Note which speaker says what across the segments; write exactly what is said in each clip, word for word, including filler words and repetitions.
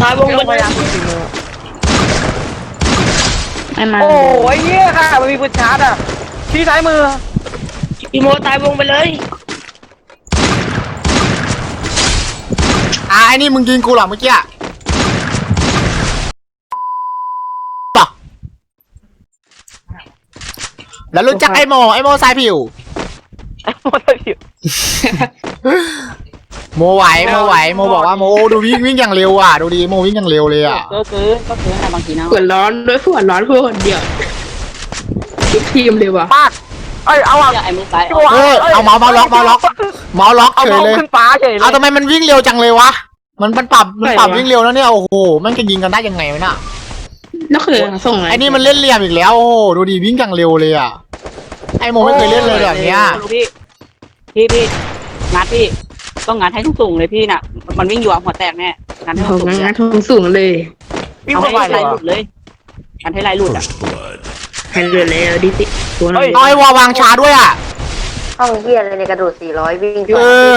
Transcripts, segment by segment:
Speaker 1: ตายวงไปเลยไม่มา
Speaker 2: โอ้ยเหี้ยค่ะมันมีปืนชาร์จอ่ะที่ซ้ายมือ
Speaker 1: พี่โมตายวงไปเลย
Speaker 3: อ่ะไอ้นี่มึงยิงกูเหรอเมื่อกี้แล้วรู้จักไอ้โมไอ้โมสายผิว
Speaker 2: ไอ้โมสายผิว
Speaker 3: โมไหวโมไหวโมบอกว่าโมดูวิ่งวิ่งอย่างเร็วอ่ะดูดีโมวิ่งอย่างเร็วเลยอ่ะ
Speaker 1: ก็คือก็คืออะไรบางทีนะ
Speaker 4: หัวร้อนด้วยหัวร้อนเพื่อคนเดียวทุกทีมเลยว่ะ
Speaker 2: ปาดเอ้ยเอาอ่ะ
Speaker 1: ไอ้มือซ้าย
Speaker 3: เออเอาเมาส์เมาส์ล็อกเมาส์ล็อกเมาส์ล็อก
Speaker 2: เอา
Speaker 3: เฉยเลย
Speaker 2: ขึ้นฟ้าเฉยเลย
Speaker 3: เอาทำไมมันวิ่งเร็วจังเลยวะมันมันปรับมันปรับวิ่งเร็วแล้วเนี่ยโอ้โหมันจะยิงกันได้ยังไงวะน่ะ
Speaker 4: นั่นคือส่งไง
Speaker 3: ไอ้นี่มันเล่นเหลี่ยมอีกแล้วโอ้โหดูดีวิ่งอย่างเร็วเลยอ่ะไอ้โมไม่เคยเล่นเลยแบบเนี้ย
Speaker 1: พี่พี่พี่งัดพี่ต้องงัดให้สูงๆเลยพี่น่ะมันวิ่งอยู่หัวแตกแน่งัดให้
Speaker 4: โอ้
Speaker 1: สูง
Speaker 4: งั้นทงสูงเลย
Speaker 2: วิ่ง
Speaker 1: เอา
Speaker 2: เข้า
Speaker 1: ให้
Speaker 2: ไป
Speaker 1: ไหล
Speaker 2: เลย
Speaker 1: หลุดเลยงัดให้ไหลหลุดอ่ะ
Speaker 4: ให้เรือเลยดิสิตัวน้อย
Speaker 3: เอาไอ้วอวางชาด้วยอ่ะ
Speaker 5: ห้องเฮียอะไรในกระโดดสี่ร้อยวิ่ง
Speaker 3: เออ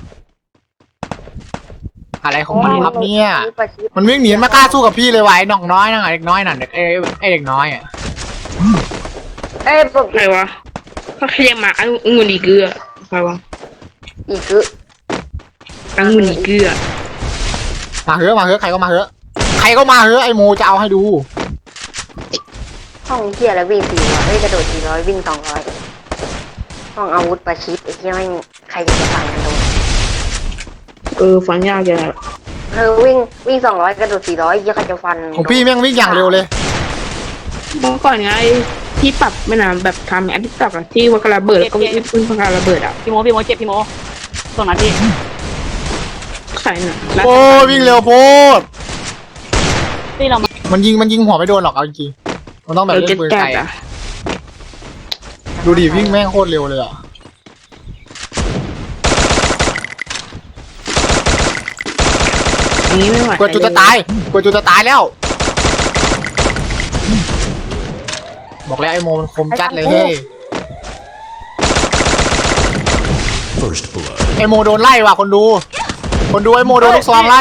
Speaker 3: อะไรของมันครับเนี่ยมันวิ่งหนีมากล้าสู้กับพี่เลยว่ะไอ้น้องน้อยนั่นไอ้เด็กน้อยนั่นไอ้ไอ้เด็กน้อยอ่ะ
Speaker 5: เอ้ยปก
Speaker 4: ใครวะเขาขยับมาอังุ่นอีเกลือใครวะ
Speaker 5: อีกคือ
Speaker 4: อังุ่นอีเกลือ
Speaker 3: มาเถอะมาเถอะใครก็มาเถอะใครก็มาเถอะไอ้โมจะเอาให้ดู
Speaker 5: ห้องเฮียอะไรวิ่งสี่ร้อยเอ้ยกระโดดสี่ร้อยวิ่งสองร้อยห้องอาวุธประชิดไอ้เฮียไม่ใครจะฟังกันโดน
Speaker 4: เออฟังยากจัง
Speaker 5: เออวิ่งวิ่งสองร้อยกระโดดสี่ร้อยเฮียใครจะฟัน
Speaker 3: ของพี่แม่งวิ่งอย่างเร็วเลย
Speaker 4: เมื่อก่อนไงที่ปรับไม่นานแบบทำแอปที่ปรับอะที่ว่ากระเบิดแล้วก็วิ่งพึ่งพาระเบิดอ่ะ
Speaker 1: พี่โมพี่โมเจ็บพี่โมตรงนั้นพี่
Speaker 4: ใครน่ะ
Speaker 3: โอ้วิ่งเร็วโพด
Speaker 1: ที่เรามา
Speaker 3: มันยิงมันยิงหัวไม่โดนหรอกเอาจริงๆมันต้องแบบ
Speaker 4: เรา
Speaker 3: เล่
Speaker 4: จะ
Speaker 3: นปืน
Speaker 4: จั
Speaker 3: ไกล
Speaker 4: ด
Speaker 3: อะ
Speaker 4: อ่ะ
Speaker 3: ดูดิวิ่งแม่งโคตรเร็วเลยอ่ะ
Speaker 4: อันนี้ไม่ไหว
Speaker 3: กดจุดจะตายกดจุดจะตายแล้วบอกแล้วไอ้โมมันคมจัดเลยเฮ้ย
Speaker 6: First blood.
Speaker 3: ไอ้โมโดนไล่ว่ะคนดู คนดูไอ้โมโดนลูกซองไล่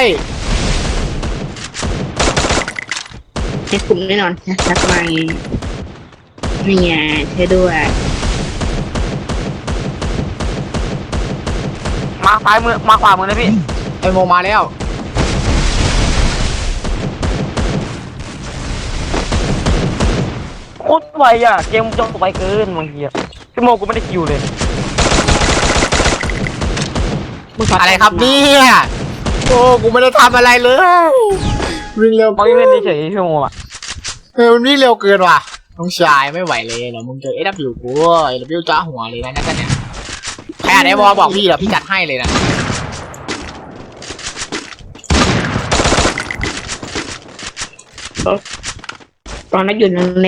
Speaker 4: ให้คุ้มแน่นอนนะทักมานี่ไงใช่ด้วย
Speaker 2: มาซ้ายมือมาขวามือเลยพี่
Speaker 3: ไอ้โมมาแล้ว
Speaker 2: โคตรไวอ่ะเกมจบไวเกินบางทีอ่ะพี่โมกูไม่ได้คิวเลย
Speaker 3: อะไรครับเนี่ยโอ้กูไม่ได้ทำอะไรเลยวิ่งเร็ว
Speaker 2: มองยังเล่นเฉยๆพี่โมอ่ะ
Speaker 3: เออมันวิ่งเร็วเกินว่ะน้องชายไม่ไหวเลยเดี๋ยวมึงเจอเอฟบิวกูเอฟบิวจ้าหัวเลยนะนั่นกันเนี่ยใครอ่านไอ้วอบอกพี่เดี๋ยวพี่จัดให้เลยนะ
Speaker 4: ตอนนั้นอยู่แรง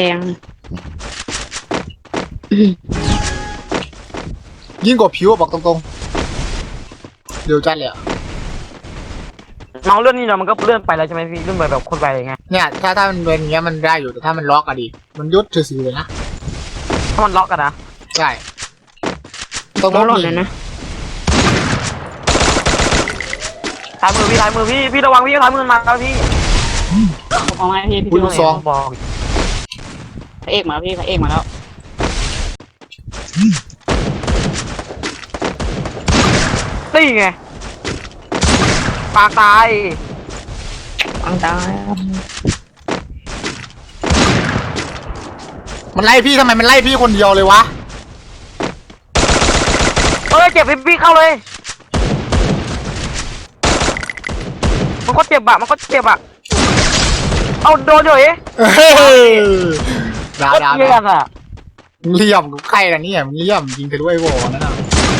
Speaker 3: ยิ่งกว่าผิวบอกตรงๆเร็วจัดเลยอะ
Speaker 2: เมาเลื่อนนี่เนาะมันก็เลื่อนไปแล้วใช่ไหมพี่เลื่อนไปแบบคนไปไง
Speaker 3: เนี่ยถ้าถ้ามันเป็นอย่างเงี้ยมันได้อยู่แต่ถ้ามันล็อกอะดิมันยุดถือสีเลยนะ
Speaker 2: ถ้ามันล็อกกันนะ
Speaker 3: ใช่ต้อง
Speaker 4: ๆ
Speaker 3: ล็
Speaker 4: ร้
Speaker 3: อ
Speaker 4: อก น
Speaker 3: หนี
Speaker 4: เลยนะ
Speaker 2: ซ้ายมือพี่ซ้ายมือพี่พี่ระวังพี่ซ้ายมือมาแล้วพี่
Speaker 1: เอาไงพี่พี่
Speaker 3: คุณลูกซอง
Speaker 2: บอก
Speaker 1: พระเอกมาแล้วพี่พระเอกมาแล้ว
Speaker 2: นี่ไงปากตาย
Speaker 4: ฟังตาย
Speaker 3: มันไล่พี่ทำไมมันไล่พี่คนเดียวเลยวะ
Speaker 2: เอ้ยเจ็บพี่พี่เข้าเลยมันก็เจ็บอะมันก็เจ็บอะเอาโดนอยู่เอ๊ะ
Speaker 3: เฮ้ยดาว
Speaker 2: โคตร
Speaker 3: ดาว
Speaker 2: เยี่ยมอะ
Speaker 3: เหลี่ยมกูใครล่ะเนี่ยมึงเหลี่ยมยิงทะลุไอ้วอนั่นน่ะ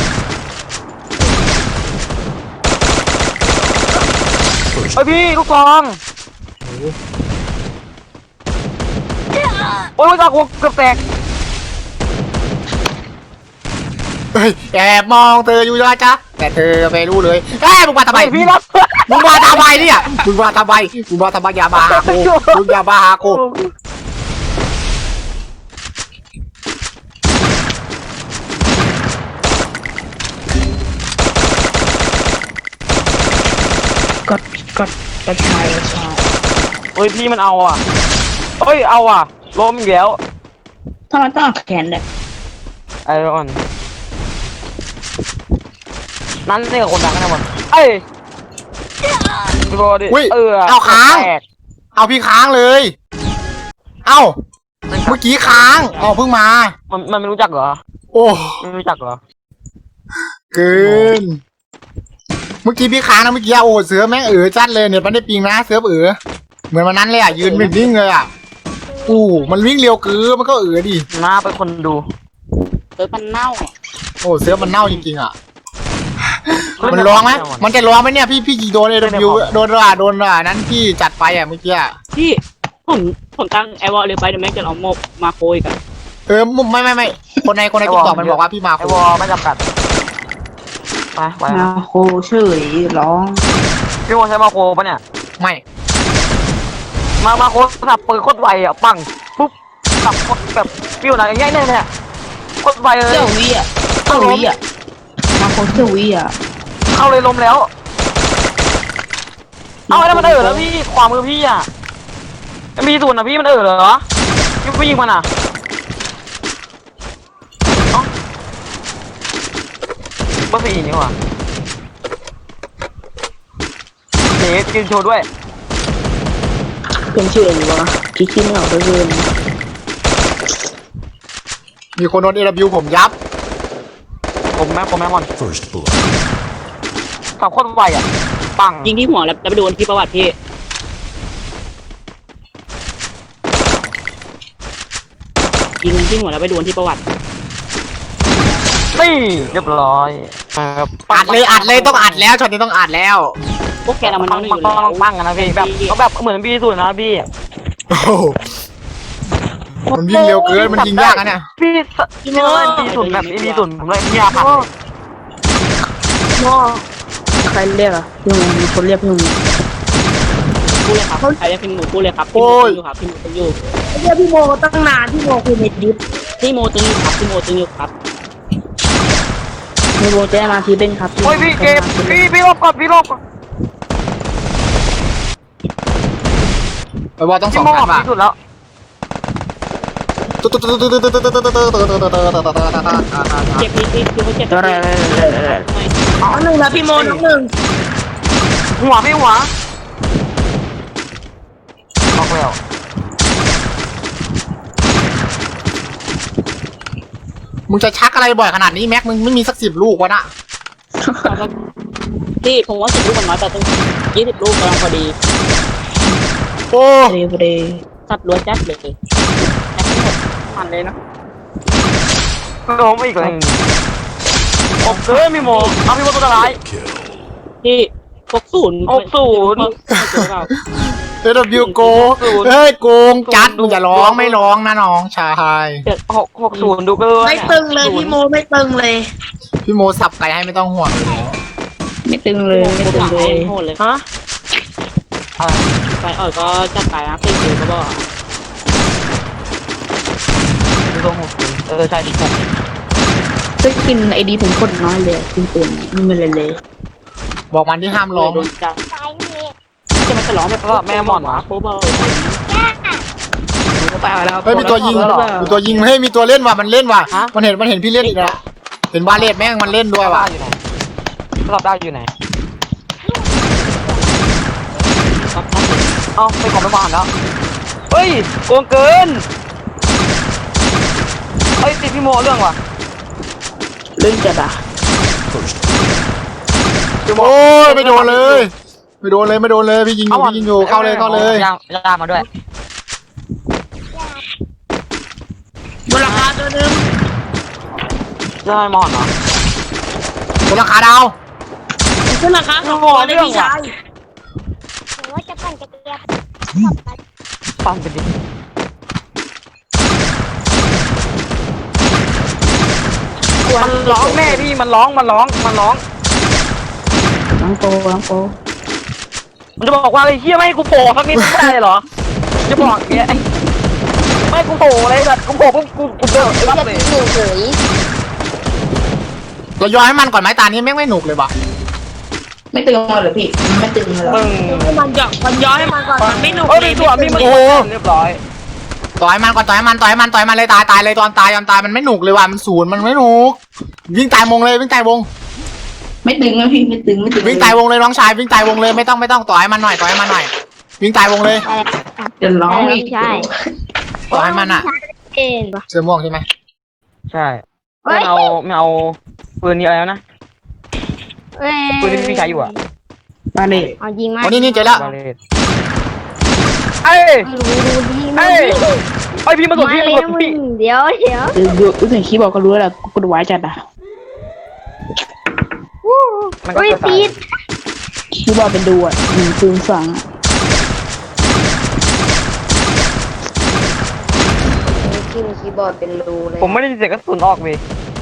Speaker 2: เฮ้ยพี่ลูกซองโอ้ยลูกซองกูเกือบแตก
Speaker 3: เฮ้ยแอบมองเธออยู่นะจ๊ะแต่เธอไม่รู้เลยเอ้ยมึงมาทำไม
Speaker 2: พี่รับ
Speaker 3: มึงมาทำไมเนี่ยมึงมาทำไมมึงมาทำไมอย่ามาหากูมึงอย่ามาหากู
Speaker 4: กดกดกระชายกระชาย
Speaker 2: เฮ้ยพี่มันเอาอ่ะเฮ้ยเอาอ่ะล้มอีกแล้ว
Speaker 4: ทำไมต้องเอาแขนเนี่ย
Speaker 2: ไอรอนนั่นนี่กับคนดังกันนะหมดเอ้ยดูดิ
Speaker 3: อุ้ย
Speaker 2: เออ
Speaker 3: เอาค้าง
Speaker 2: แตก
Speaker 3: เอาพี่ค้างเลย เอ้าเมื่อกี้ค้างอ๋อเพิ่งมา
Speaker 2: มันมันไม่รู้จักเหรอ
Speaker 3: โอ้
Speaker 2: ไม่รู้จักเหรอ
Speaker 3: เกิน เมื่อกี้พี่ค้างนะเมื่อกี้อะโอ้เสือแม่งเอ๋อจัดเลยเนี่ยมันได้ปิงนะเสือเอ๋อเหมือนวันนั้นเลยอ่ะยืนวิ่งเลยอ่ะอู้มันวิ่งเร็วเกินมันก็เอ๋อดิ
Speaker 2: หน้าเป็นคนดู
Speaker 1: เออมันเน่า
Speaker 3: โอ้เสือมันเน่าจริงๆอ่ะมันร้องไหมมันจะร้องไหมเนี่ยพี่พี่ยิงโดนเอวิวโดนอ่ะโดนอ่ะนั้นพี่จัดไปอ่ะเมื่อกี้อ่ะ
Speaker 1: พี่ผมผมตั้งไอวอลเลยไปเดี๋ยวแม่งจะเอาโมกมาโคยกัน
Speaker 3: เออไม่ไม่ไม่คนในคนในติ๊กต็อกมันบอกว่าพี่มา
Speaker 2: ไอ
Speaker 3: โคว
Speaker 2: อลไม่จำกัดไปไป
Speaker 4: มาโคเฉยร้อง
Speaker 2: พี่วอลใช้มาโคปะเนี่ย
Speaker 3: ไม่
Speaker 2: มามาโคสับปืนโคตรไวอ่ะปังปุ๊บสับโคตรแบบฟิวอะไรง่ายๆเนี่ยโคตรไวเลย
Speaker 4: เจ้าวิอ่ะเจ้าวิอ่ะมาโคเจ้าวิอ่ะ
Speaker 2: เข้าเลยลมแล้ว เอาไอ้นั่นมันเออแล้วพี่ขวามือพี่อ่ะมีส่วนอ่ะพี่มันเออเหรอพี่ผู้ยิงมันอ่ะเอ้าเบอร์สี่นี่หว่าเดี๋ยวกินโชว์ด้วย
Speaker 4: เป็นชื่ออะไรวะคิดชื่อไม่ออกเลย
Speaker 3: มีคนโดนเอวิวผมยับ
Speaker 2: ผมแม่ผมแม่มอน
Speaker 6: First blood.
Speaker 2: ขับโคตรไวอ่ะปัง
Speaker 1: ยิงที่หัวแล้วแล้วไปโดนที่ประวัติพี่ยิงที่หัวแล้วไปโดนที่ประวัติ
Speaker 2: นี่เรียบร้อย
Speaker 3: อัดเลยอัดเลยต้องอัดแล้วช็อตนี้ต้องอัดแล้ว
Speaker 1: พวกแกเรามัน
Speaker 2: ปั
Speaker 1: น้อง ง
Speaker 2: ปั
Speaker 1: อง ยู่
Speaker 2: ปั
Speaker 1: แล้ว
Speaker 2: งปังกันนะพี่แบบเขาแบบเหมือนพี่สุดนะพี่
Speaker 3: โอ้โหมันวิ่งเร็วเกินมันยิงยากนะเนี่ย
Speaker 2: พี่พี่เล่นพี่สุดแบบพี่สุดผมเลยพี่อาพัน
Speaker 4: พ่อใครเรียกอ่ะพี่มึงมีคนเรียกพี่มึง
Speaker 1: พูดเลยครับใครจะพิมพ์หนูพูดเลยครับพิมพ์หนูอยู่ครับพิมพ์หนูตึงอยู่
Speaker 4: เรียกพี่โมตั้งนานพี่โมคือเน็ตดิฟ
Speaker 1: พี่โมตึงอยู่ครับพี่โมตึงอยู่ครับ
Speaker 4: พี่โมจะมาทีเป็นครับ
Speaker 2: โอ้ยพี่เกมพี่พี่รอบก่อนพี่รอบก่อน
Speaker 3: ไปบอลต้องส
Speaker 2: พี่
Speaker 3: อง
Speaker 2: โม่
Speaker 3: พันบาท
Speaker 2: พี่สุดแล้ว
Speaker 1: เจ็บพี่พี่คือเขาเจ็บ
Speaker 4: อะไรน้องหนึ่งนะพี่โมน้องหนึ่ง
Speaker 2: หัวพี่หัวออกแล้ว
Speaker 3: มึงจะชักอะไรบ่อยขนาดนี้แม็กมึงไม่มีสักสิบลูกวะน่ะ
Speaker 1: พี่ผมว่าสิบลูกมันน้อยแต่ต้องยี่สิบลูกกำลังพอดี
Speaker 3: โอ้
Speaker 4: พอดีพอดี
Speaker 1: สัตว์ล้วนจัดเลยมันเลยนะ
Speaker 2: โดนอีกเลยผมเกินพี่โมเอาพี่โมตัวร้าย
Speaker 6: Kill.
Speaker 1: พี่หกศูนย์
Speaker 2: หกศูนย์
Speaker 3: เอวิวโกเฮ้ยโกงจัดมึงอย่าร้องไม่ร้องนะน้องชาย
Speaker 2: หกหกศูนย์ดูเกิน
Speaker 4: ไม่ตึงเลยพี่โมไม่ตึงเลย
Speaker 3: พี่โมสับไก่ให้ไม่ต้องห่วงเลย
Speaker 4: ไม่ตึงเลยไม่ตึงเลย
Speaker 1: โหดเลย
Speaker 2: ฮะอะไร
Speaker 1: ไปอ่อยก็จัดไปนะเป็นคิวก็บอก
Speaker 2: ดูตัวหกศูนย์เออใช่ดิหก
Speaker 4: จะกินไอดีผมคนน้อยเลยกินปืนไม่เป็นไรเลย
Speaker 3: บอกมันที่ห้ามร้อง
Speaker 1: โดนจับจะมันจะร้องแบบ
Speaker 2: ก็แม่หมอนวะ
Speaker 1: โคเบอร์
Speaker 4: ไปแล้ว
Speaker 3: เฮ้ยมีตัวยิงมีตัวยิงเฮ้ยมีตัวเล่นว่ะมันเล่นว่ะมันเห็นมันเห็นพี่เล่นอีกแล้วเห็นบาเลตแม่งมันเล่นด้วยว่ะ
Speaker 2: อยู่ไหนรอบได้อยู่ไหนเอ้าไปของไม่มาแล้วเฮ้ยโกงเกินเฮ้ยติดพี่โมเรื่องว่ะ
Speaker 4: เรื่องจัดอ่ะ
Speaker 6: First
Speaker 3: โอ้ยไม่โดนเลยไม่โดนเลยไม่โดนเลยพี่ยิงอยู่พี่ยิงอยู่เข้าเลยเข้าเลย
Speaker 2: ยางยางมาด้วย
Speaker 4: บนราคาตัวนึง
Speaker 2: ใช่มอนเหรอ
Speaker 3: บนราคาดาว
Speaker 4: ขึ้นราคาสองตัวเลยพี่ชาย
Speaker 5: หรือว่าจะปั่นจะเกลียบ
Speaker 2: ฟังไปดิมันร้องแม่พี่มันร้องมันร้องมันร้อง
Speaker 4: น้องโตน้องโต
Speaker 2: มันจะบอกว่าไอ้เหี้ยไม่ให้กูโผล่สักนิดไม่ได้เหรอจะบอกเนี้ยไม่กูโผล่เลยแบบกูโผล่ปุ๊บกูกูเดิน
Speaker 5: ไอ้
Speaker 2: รับ
Speaker 5: เหี้ย
Speaker 2: เลย
Speaker 5: หนูเฉย
Speaker 3: เราย้อนให้มันก่อนไหมตานี้แม่งไม่หนุกเลยว่ะ
Speaker 4: ไม่ตึงเลยเหรอพี่มันไม่ตึงเลยเหรอ
Speaker 2: มึง
Speaker 7: มันหยอกมันย้อยให้มันก่อนมันไม่หนุก
Speaker 2: เอ้ย
Speaker 7: เลย
Speaker 2: ตัวพี่มัน
Speaker 3: โอ้โห
Speaker 2: เรียบร้อย
Speaker 3: ต่อยมันก่อนต่อยมันต่อยมันต่อยมันเลยตายตายเลยตอนตายยอมตายมันไม่หนุกเลยว่ะมันศูนย์มันไม่หนุกวิ่งตายวงเลยวิ่งตายวง
Speaker 4: ไม่ตึงนะพี่ไม่ตึงไม่ตึง
Speaker 3: วิ่งตายวงเลยน้องชายวิ่งตายวงเลยไม่ต้องไม่ต้องต่อยมันหน่อยต่อยมันหน่อย วิ่งตายวงเลย
Speaker 4: จะร้องอีก
Speaker 5: ใช่
Speaker 3: ต่อยมันอ่ะ
Speaker 5: เอ็นปะ
Speaker 3: เสื้อม่วงใช่ไหม
Speaker 2: ใช่ไม่เอาไม่เอาปืนนี้อะไรแล้วนะ
Speaker 5: เอ้ย
Speaker 2: ปืนที่พี่ใช้อยู่อะ
Speaker 4: มาเลย
Speaker 5: เอายิงมา
Speaker 3: อ๋อนี่นี่เจอแล้ว
Speaker 2: บาเลตเอ้ย
Speaker 5: ดูดูดี
Speaker 2: เอ้ยไอพี่มาสด
Speaker 5: มา
Speaker 2: พี่
Speaker 5: เล
Speaker 2: มาย สด
Speaker 5: นะมึ
Speaker 2: พี่
Speaker 5: งเดี๋ยวเดี๋ยว
Speaker 4: ดูดูดูถึงคีย์บอกก็รู้แล้วกูกดไว้จัดอ่ะ
Speaker 2: มันก็
Speaker 5: อุ้ย
Speaker 2: จะตา
Speaker 5: ตี
Speaker 2: ย
Speaker 5: ด
Speaker 4: คีย์บอกเป็นดูอ่ะหนึ่งศูนย์สอง
Speaker 5: ที่มีคีย์บอร์ดเป็นรูเลย
Speaker 2: ผมไม่ได้ยินเสียงกระสุนออกเลย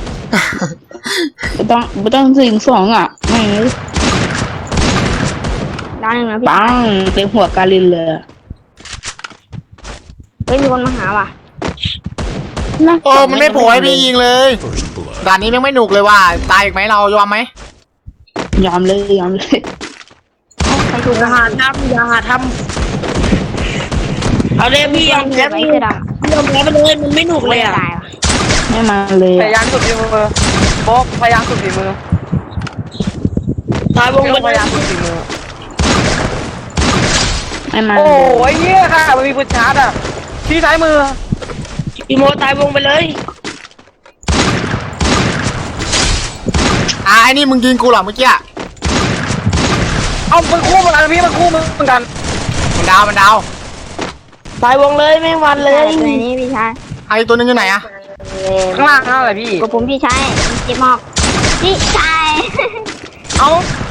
Speaker 4: ไม่ต้องไม่ต้องถึงสองอ่ะไม่
Speaker 5: ด้านหนึ่งนะพี่
Speaker 4: ปังเต็มหัวกาลินเลย
Speaker 5: เฮ้ยมีคนมาหาว่ะ
Speaker 3: โอ้มันไม่โผล่ให้พี่ยิงเลย
Speaker 6: First blood.
Speaker 3: ด่านนี้ยังไม่หนุกเลยว่ะตายอีกไหมเรายอมไหม
Speaker 4: ยอมเลยยอมเลย
Speaker 5: ใครถูก
Speaker 7: อย่าหาทำอย่าหาทำเอาเลยพี่ยอม
Speaker 5: แล้
Speaker 7: แล้ว ว
Speaker 5: พี่
Speaker 7: พี่
Speaker 5: จะด
Speaker 7: ยอมแล้วไปเลยมันไม่หนุก
Speaker 5: ำ
Speaker 7: เลยอ่ะ
Speaker 5: ตายว่ะ
Speaker 4: ไม่มาเลย
Speaker 2: พยายามสุดฝีมือโบ๊กพยายามสุดฝีมือ
Speaker 7: ตายวง
Speaker 2: พี่
Speaker 7: ไป
Speaker 2: ต้องพยายามสุดฝีมือ
Speaker 4: ไม่มา
Speaker 2: โอ้
Speaker 4: เลย
Speaker 2: ยเหี้ยค่ะมันมีปืนชาร์จอ่ะที่ซ้ายมือ
Speaker 7: พี่โมตายวงไปเลย
Speaker 3: อ่ะไอ้นี่มึงยิงกูเหรอเมื่อกี้อะ
Speaker 2: เอามันคู่เหมือนกันพี่มันคู่เหมือนกัน
Speaker 3: มันดาวมันดาว
Speaker 7: ตายวงเลยแม่งวันเลย
Speaker 5: ตัวนี้พี่ชาย
Speaker 3: ไอ้ตัวนึงอยู่ไหนอะ
Speaker 2: ข้างล่างนั่นแหละพี่
Speaker 5: กับผมพี่ชายเจ็บมากพี่ชาย
Speaker 2: เอา